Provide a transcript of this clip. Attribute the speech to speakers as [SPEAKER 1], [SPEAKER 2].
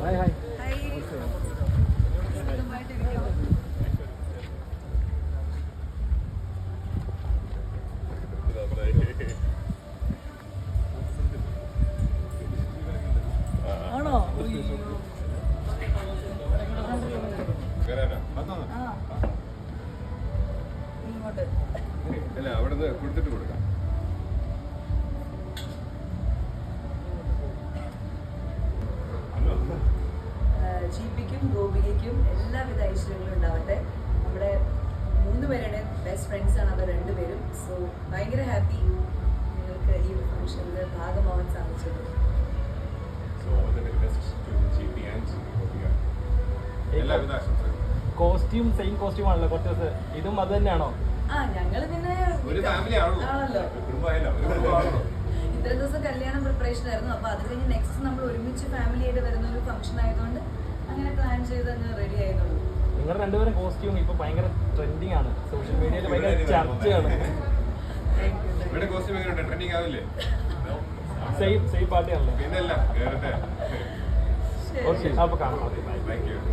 [SPEAKER 1] Hi
[SPEAKER 2] ആണോ ഇങ്ങോട്ട്
[SPEAKER 3] അല്ല അവിടെ കൊടുത്തിട്ട് കൊടുക്കാം.
[SPEAKER 2] ജിപിക്കും ഗോപികയ്ക്കും എല്ലാവിധ ഐശ്വര്യങ്ങളും ഉണ്ടാവട്ടെ. നമ്മുടെ 3 പേരുടെ ബെസ്റ്റ് ഫ്രണ്ട്സാണ് അവർ രണ്ടുപേരും. സോ ഭയങ്കര ഹാപ്പി നിങ്ങൾക്ക് ഈ ഫംഗ്ഷനിൽ ഭാഗമാവാൻ സാധിച്ചത്.
[SPEAKER 1] കോസ്റ്റ്യൂം സെയിം കോസ്റ്റ്യൂം ആണല്ലോ കുറച്ച് ദിവസം. ഇതും അത് തന്നെയാണോ?
[SPEAKER 2] ഞങ്ങള് പിന്നെ ആണല്ലോ ഇത്രയും ദിവസം കല്യാണം പ്രിപ്പറേഷൻ ആയിരുന്നു. അപ്പൊ അത് കഴിഞ്ഞ് നെക്സ്റ്റ് നമ്മൾ ഒരുമിച്ച് ഫാമിലി ആയിട്ട് വരുന്ന ഒരു ഫംഗ്ഷൻ ആയതുകൊണ്ട് അങ്ങനെ പ്ലാൻ ചെയ്ത് അങ്ങ് റെഡി ആയതുള്ളൂ.
[SPEAKER 1] നിങ്ങൾ രണ്ടുപേരും കോസ്റ്റ്യൂം ഇപ്പൊ ഭയങ്കര ട്രെൻഡിങ് ആണ്, സോഷ്യൽ മീഡിയയിൽ ഭയങ്കര ചർച്ചയാണ്. സെയിം പാർട്ടി ആണല്ലോ.
[SPEAKER 3] പിന്നെ
[SPEAKER 1] ഓക്കെ, അപ്പൊ കാണാം.